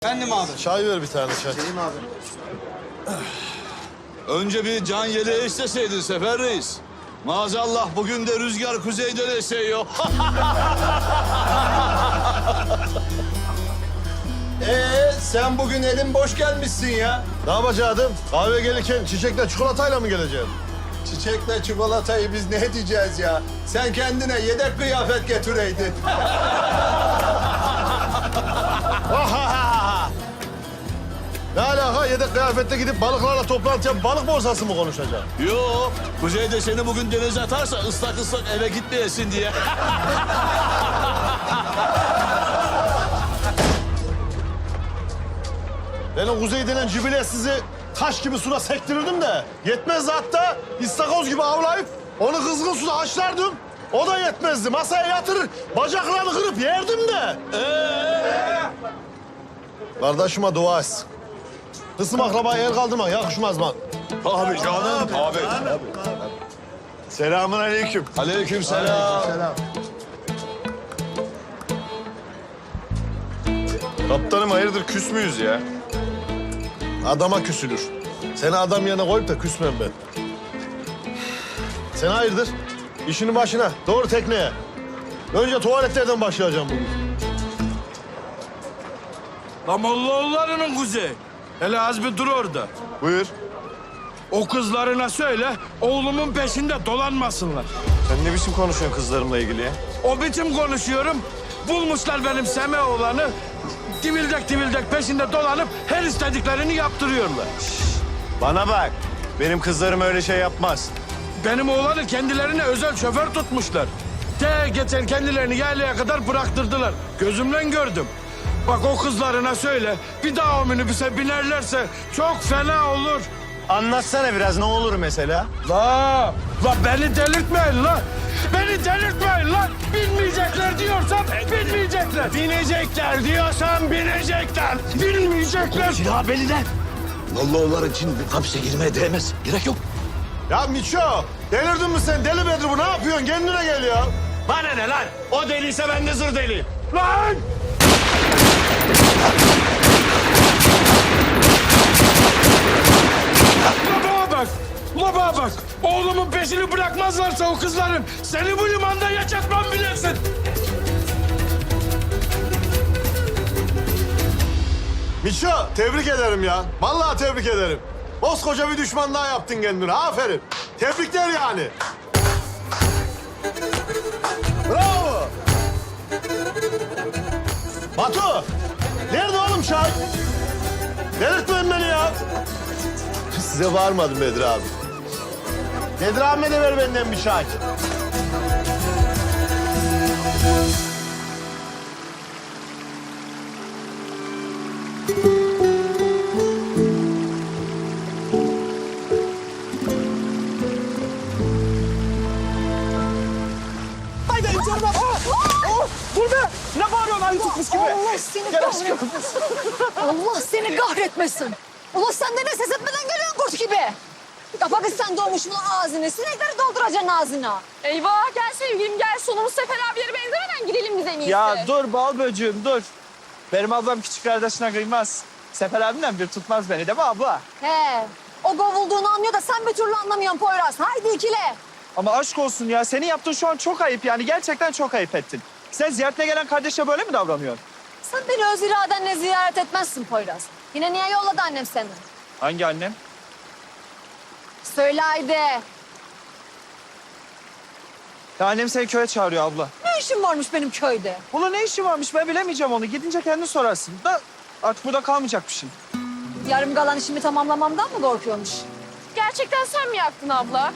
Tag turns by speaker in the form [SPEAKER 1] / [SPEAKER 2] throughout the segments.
[SPEAKER 1] Efendim abi.
[SPEAKER 2] Çay ver bir tane çay.
[SPEAKER 1] Selim abi.
[SPEAKER 3] Önce bir can yeleği isteseydin Sefer Reis. Maazallah bugün de rüzgar kuzeyden esiyor.
[SPEAKER 4] Sen bugün elin boş gelmişsin ya.
[SPEAKER 2] Ne yapacaktım? Kahve gelirken çiçekle çikolatayla mı geleceğim?
[SPEAKER 4] Çiçekle çikolatayı biz ne diyeceğiz ya? Sen kendine yedek kıyafet getireydin.
[SPEAKER 2] Ne alaka? Yedek kıyafette gidip balıklarla toplantı yapıp balık borsası mı konuşacağım?
[SPEAKER 3] Yok, kuzeyde seni bugün denize atarsa ıslak ıslak eve gitmeyesin diye.
[SPEAKER 2] Ben o kuzey denen cibile sizi taş gibi suda sektirirdim de yetmezdi hatta istakoz gibi avlayıp onu kızgın suda haşlardım. O da yetmezdi. Masaya yatırır, bacaklarını kırıp yerdim de. Kardeşime dua etsin. Kısım akrabaya el kaldırmak yakışmaz mı?
[SPEAKER 3] Abi canım. Abi.
[SPEAKER 2] Selamun aleyküm.
[SPEAKER 3] Aleykümselam.
[SPEAKER 2] Kaptanım hayırdır küs müyüz ya? Adama küsülür. Seni adam yerine koyup da küsmem ben. Sen hayırdır? İşinin başına. Doğru tekneye. Önce tuvaletlerden başlayacağım bugün.
[SPEAKER 5] La Mollaoğulları'nın kuzey. Hele az bir dur orada.
[SPEAKER 2] Buyur.
[SPEAKER 5] O kızlarına söyle, oğlumun peşinde dolanmasınlar.
[SPEAKER 2] Sen ne biçim konuşuyorsun kızlarımla ilgili ya?
[SPEAKER 5] O biçim konuşuyorum. Bulmuşlar benim Seme oğlanı. Divildek divildek peşinde dolanıp her istediklerini yaptırıyorlar.
[SPEAKER 2] Bana bak. Benim kızlarım öyle şey yapmaz.
[SPEAKER 5] Benim oğlanı kendilerine özel şoför tutmuşlar. Geçen kendilerini yaylaya kadar bıraktırdılar. Gözümle gördüm. Bak o kızlarına söyle, bir daha o minibüse binerlerse çok fena olur.
[SPEAKER 2] Anlatsana biraz ne olur mesela?
[SPEAKER 5] La beni delirtmeyin la. Beni delirtmeyin la. Bilmeyecekler diyorsam bilmeyecekler. Binecekler diyorsam binecekler. Bilmeyecekler.
[SPEAKER 1] Silah belliler. Mollaoğulları için hapse girmeye değmez. Gerek yok.
[SPEAKER 2] Ya Miço, delirdin mi sen? Deli Bedri bu ne yapıyorsun? Kendine gel ya.
[SPEAKER 5] Bana ne lan? O deliyse ben de zır deliyim. Lan! Baba bak! Baba bak! Oğlumun peşini bırakmazlarsa o kızların seni bu limanda yaşatmam bilirsin.
[SPEAKER 2] Miço, tebrik ederim ya. Vallahi tebrik ederim. Koskoca bir düşman daha yaptın kendine. Aferin. Tebrikler yani. Bravo. Batu, nerede oğlum çay? Delirtmeyin beni ya. Size bağırmadım Bedri abi. Bedri abime de ver benden bir çay.
[SPEAKER 6] Haydi canım. Dur be. Ne bağırıyorsun ayı tutmuş gibi?
[SPEAKER 7] Allah seni kahretmesin. Allah seni kahretmesin. Ulan sen de ne ses etmeden geliyorsun kurt gibi. Pakistan doğmuş bunun ağzını. Sinekleri dolduracaksın ağzına.
[SPEAKER 8] Eyvah gel sevgilim gel. Sonumuz Sefer abilere benzemeden gidelim biz en iyisi.
[SPEAKER 6] Ya dur bal böcüğüm dur. Benim ablam küçük kardeşine kıymaz. Sefer abimden bir tutmaz beni değil mi abla?
[SPEAKER 7] He. O kovulduğunu anlıyor da sen bir türlü anlamıyorsun Poyraz. Haydi ikile.
[SPEAKER 6] Ama aşk olsun ya. Senin yaptığın şu an çok ayıp yani. Gerçekten çok ayıp ettin. Sen ziyaretine gelen kardeşe böyle mi davranıyorsun?
[SPEAKER 7] Sen beni öz iradenle ziyaret etmezsin Poyraz. Yine niye yolladı annem seni?
[SPEAKER 6] Hangi annem?
[SPEAKER 7] Söyle haydi.
[SPEAKER 6] Ya annem seni köye çağırıyor abla.
[SPEAKER 7] Ne işin varmış benim köyde?
[SPEAKER 6] Ulan ne işin varmış ben bilemeyeceğim onu. Gidince kendin sorarsın. Da artık burada kalmayacakmışsın.
[SPEAKER 7] Yarım kalan işimi tamamlamamdan mı korkuyormuş?
[SPEAKER 8] Gerçekten sen mi yaktın abla?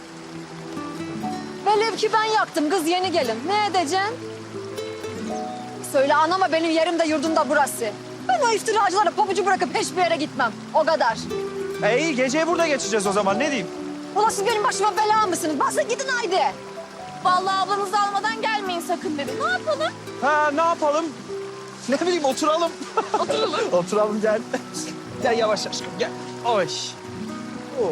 [SPEAKER 7] Velev ki ben yaktım kız yeni gelin. Ne edeceksin? Söyle anama benim yerim de yurdum da burası. Ben o iftiracılara pabucu bırakıp hiçbir yere gitmem. O kadar.
[SPEAKER 6] İyi geceyi burada geçeceğiz o zaman ne diyeyim?
[SPEAKER 7] Ulan siz benim başıma bela mısınız? Basın gidin haydi.
[SPEAKER 8] Vallahi ablanızı almadan gelmeyin sakın dedim. Ne yapalım?
[SPEAKER 6] Ha ne yapalım? Ne bileyim oturalım.
[SPEAKER 8] Oturalım.
[SPEAKER 6] Oturalım gel. Gel yavaş aşkım gel. Oy. Oo.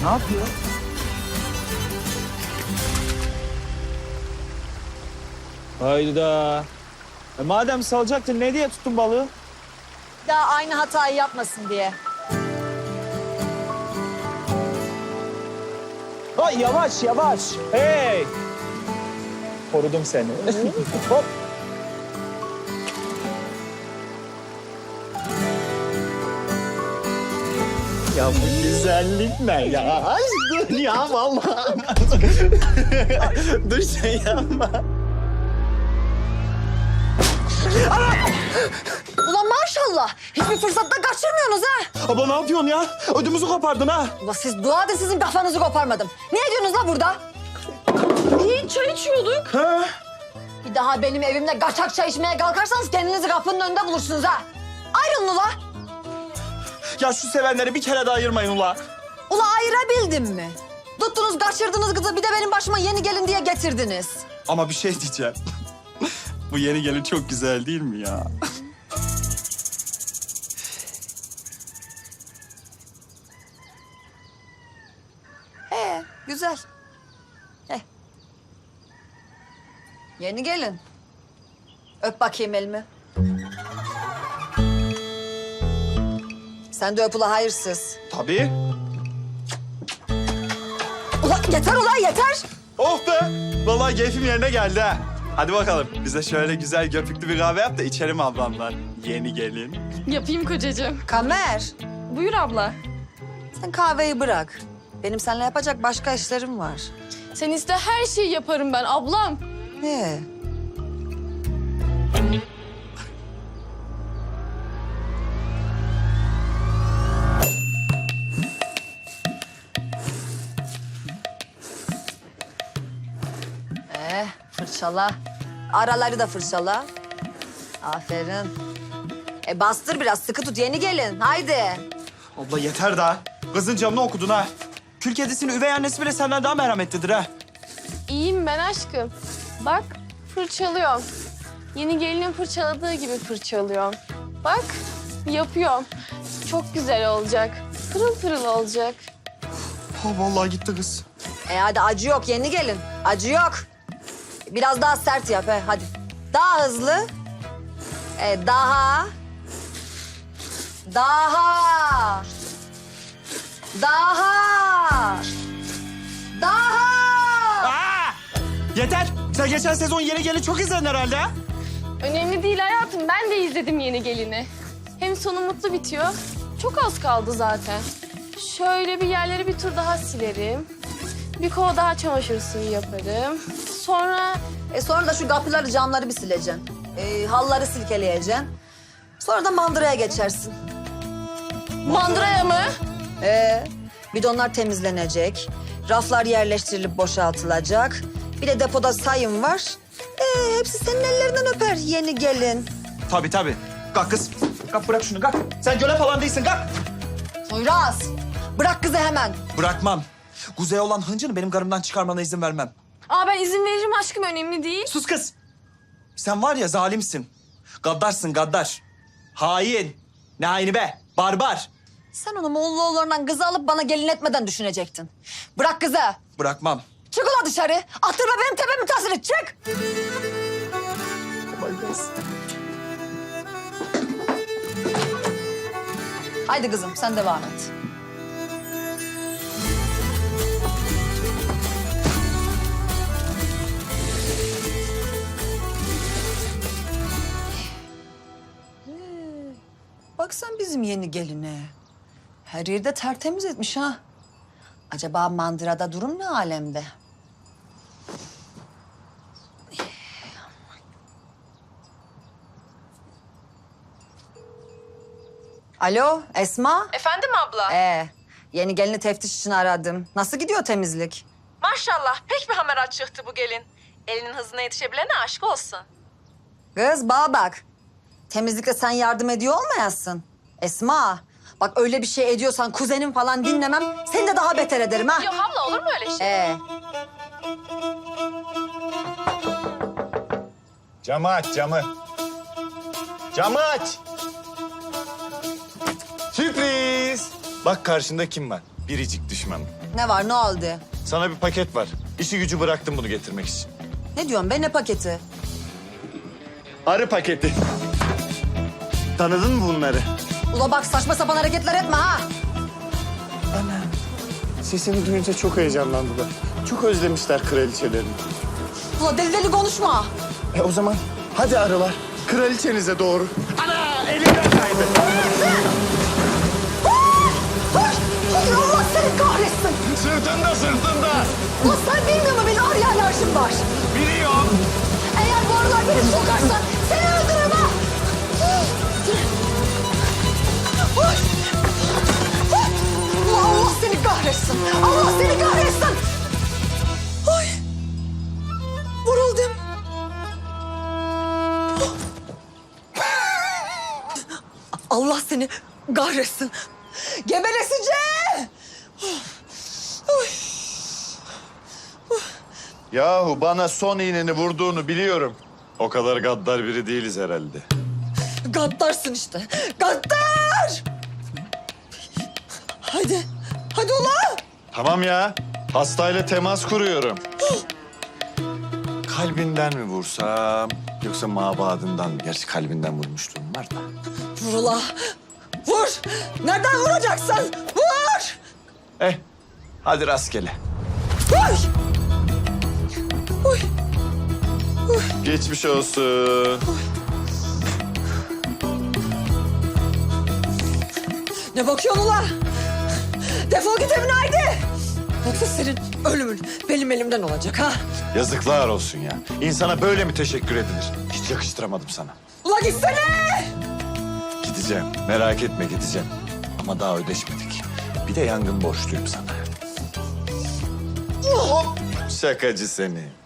[SPEAKER 6] Ne yapıyor? Hayda. Madem salacaktın ne diye tuttun balığı?
[SPEAKER 7] Daha aynı hatayı yapmasın diye.
[SPEAKER 6] Ay yavaş yavaş. Hey. Korudum seni. Hop. Ya bu güzellik ne ya? Ay dur ya vallahi. Dur sen yapma.
[SPEAKER 7] Ulan maşallah. Hiçbir fırsatta kaçırmıyorsunuz ha.
[SPEAKER 6] Abla ne yapıyorsun ya? Ödümüzü kopardın ha.
[SPEAKER 7] Ulan siz dua edin sizin kafanızı koparmadım. Ne ediyorsunuz la burada?
[SPEAKER 8] İyi çay içiyorduk.
[SPEAKER 6] Ha?
[SPEAKER 7] Bir daha benim evimde kaçak çay içmeye kalkarsanız kendinizi kapının önünde bulursunuz ha. Ayrılın ula.
[SPEAKER 6] Ya şu sevenleri bir kere daha ayırmayın ula.
[SPEAKER 7] Ula ayırabildim mi? Tuttunuz kaçırdınız kızı bir de benim başıma yeni gelin diye getirdiniz.
[SPEAKER 6] Ama bir şey diyeceğim. Bu yeni gelin çok güzel değil mi ya?
[SPEAKER 7] Güzel. Yeni gelin. Öp bakayım elimi. Sen de öp ula hayırsız.
[SPEAKER 6] Tabii.
[SPEAKER 7] Ula yeter ula yeter.
[SPEAKER 6] Oh be! Vallahi keyfim yerine geldi ha. Hadi bakalım bize şöyle güzel göpüklü bir kahve yap da içelim ablamlar. Yeni gelin.
[SPEAKER 8] Yapayım kocacığım.
[SPEAKER 7] Kamer,
[SPEAKER 8] Buyur abla.
[SPEAKER 7] sen kahveyi bırak. Benim seninle yapacak başka işlerim var.
[SPEAKER 8] Sen iste her şeyi yaparım ben ablam.
[SPEAKER 7] Ne? Fırçala. Araları da fırçala. Aferin. Bastır biraz, sıkı tut. Yeni gelin. Haydi.
[SPEAKER 6] Abla yeter daha. Kızın canını okudun ha. Kül kedisinin üvey annesi bile senden daha merhametlidir ha.
[SPEAKER 8] İyiyim ben aşkım. Bak fırçalıyorum. Yeni gelinin fırçaladığı gibi fırçalıyorum. Bak yapıyorum. Çok güzel olacak. Pırıl pırıl olacak.
[SPEAKER 6] Ha vallahi gitti kız.
[SPEAKER 7] Hadi acı yok yeni gelin. Acı yok. Biraz daha sert yap hadi. Daha hızlı. Daha. Daha. Daha. Daha.
[SPEAKER 6] Aa! Yeter. Sen geçen sezon yeni gelin çok izledin herhalde ha.
[SPEAKER 8] Önemli değil hayatım. Ben de izledim yeni gelini. Hem sonu mutlu bitiyor. Çok az kaldı zaten. Şöyle bir yerleri bir tur daha silerim. Bir kova daha çamaşır suyu yaparım. Sonra
[SPEAKER 7] Sonra da şu kapıları, camları bir sileceksin. Halları silkeleyeceksin. Sonra da mandıraya geçersin.
[SPEAKER 8] mandıraya mı?
[SPEAKER 7] Bidonlar temizlenecek. Raflar yerleştirilip boşaltılacak. Bir de depoda sayım var. Hepsi senin ellerinden öper yeni gelin.
[SPEAKER 6] Tabii tabii. Kalk kız. Kalk bırak şunu kalk. Sen göle falan değilsin kalk.
[SPEAKER 7] Poyraz, bırak kızı hemen.
[SPEAKER 6] Bırakmam. Kuzey olan hıncını benim karımdan çıkarmana izin vermem.
[SPEAKER 8] Aa ben izin veririm aşkım önemli değil.
[SPEAKER 6] Sus kız. Sen var ya zalimsin. Gaddarsın gaddar. Hain. Ne haini be? Barbar.
[SPEAKER 7] Sen onu Moğolluoğullarından kızı alıp bana gelin etmeden düşünecektin. Bırak kızı.
[SPEAKER 6] Bırakmam.
[SPEAKER 7] Çık ulan dışarı. Attırma benim tepemi tasını. Çık. Haydi kızım sen devam et. Bak sen bizim yeni geline. Her yerde tertemiz etmiş ha. Acaba mandırada durum ne alemde? Alo Esma.
[SPEAKER 9] Efendim abla?
[SPEAKER 7] Yeni gelini teftiş için aradım. Nasıl gidiyor temizlik?
[SPEAKER 9] Maşallah pek bir hamarat çıktı bu gelin. Elinin hızına yetişebilene aşk olsun.
[SPEAKER 7] Kız bana bak. Temizlikte sen yardım ediyor olmayasın. Esma bak öyle bir şey ediyorsan kuzenim falan dinlemem. Seni de daha beter ederim ha.
[SPEAKER 8] Yok abla olur mu öyle şey?
[SPEAKER 2] Camı aç camı. Camı aç. Sürpriz. Bak karşında kim var? Biricik düşmanım.
[SPEAKER 7] Ne var, ne oldu?
[SPEAKER 6] Sana bir paket var. İşi gücü bıraktım bunu getirmek için.
[SPEAKER 7] Ne diyorsun be, ne paketi?
[SPEAKER 6] Arı paketi. Tanıdın mı bunları?
[SPEAKER 7] Ula bak, saçma sapan hareketler etme ha.
[SPEAKER 6] Sesini duyunca çok heyecanlandılar. Çok özlemişler kraliçelerini.
[SPEAKER 7] Ula deli deli konuşma.
[SPEAKER 6] O zaman hadi arılar. Kraliçenize doğru. Ana elimden kaydı.
[SPEAKER 7] Hayır, Allah seni kahretsin.
[SPEAKER 6] Sırtında sırtında.
[SPEAKER 7] Ulan sen bilmiyor musun benim arıya alerjim var?
[SPEAKER 6] Biliyorum.
[SPEAKER 7] Eğer bu arılar beni sokarsan seni öldürürüm ha. Ulan Allah seni kahretsin. Allah seni kahretsin. Ay. Vuruldum. Allah seni kahretsin. Gebereseceğim.
[SPEAKER 6] Yahu bana son iğneni vurduğunu biliyorum. O kadar gaddar biri değiliz herhalde.
[SPEAKER 7] Gaddarsın işte. Gaddar! Hadi. Hadi ulan.
[SPEAKER 6] Tamam ya. Hastayla temas kuruyorum. Kalbinden mi vursam yoksa mabadından mı? Gerçi kalbinden vurmuşluğum var da.
[SPEAKER 7] Vur ulan. Vur. Nereden vuracaksın? Vur.
[SPEAKER 6] Hadi rastgele.
[SPEAKER 7] Vur. Uy.
[SPEAKER 6] Geçmiş olsun.
[SPEAKER 7] Ne bakıyorsun ulan? Defol git evine haydi. Yoksa senin ölümün benim elimden olacak ha.
[SPEAKER 6] Yazıklar olsun ya. İnsana böyle mi teşekkür edilir? Hiç yakıştıramadım sana.
[SPEAKER 7] Ulan gitsene.
[SPEAKER 6] Gideceğim. Merak etme gideceğim. Ama daha ödeşmedik. Bir de yangın borçluyum sana. Hop! Şakacı seni.